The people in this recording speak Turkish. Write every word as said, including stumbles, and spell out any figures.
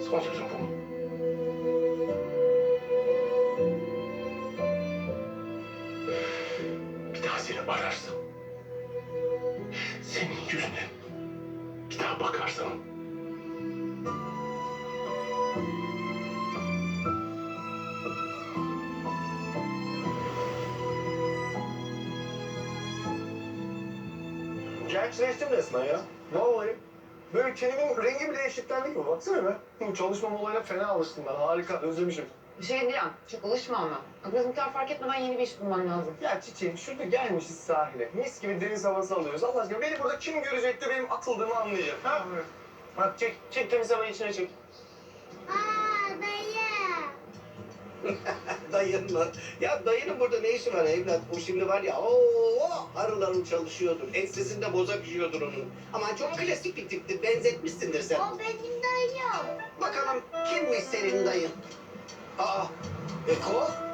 Son sözüm bu mu? Bir daha seni ararsam, senin yüzüne bir daha bakarsam, gençleştim resmen ya. Vallahi. Böyle kelimenin rengi bile eşitlendi gibi. Baksana be. Bu çalışma olayına fena alıştım ben. Harika. Özlemişim. Bir şey diyeceğim. Çok alışma ama. Bak bizimkiler fark etmeden yeni bir iş bulman lazım. Ya çiçeğim şurada gelmişiz sahile. Mis gibi deniz havası alıyoruz. Allah aşkına beni burada kim görecek de benim atıldığımı anlayacak. Ha? Bak çek. Çek temiz havayı içine çek. Aa dayı. Dayın mı? Ya dayının burada ne işi var evlat? O şimdi var ya ooo harıl harıl çalışıyordur. Ensesinde bozak yiyordur onun. Ama çok klasik bir tiptir. Benzetmişsindir sen. O benim dayım. Bakalım kimmiş senin dayın? Aa, Eko?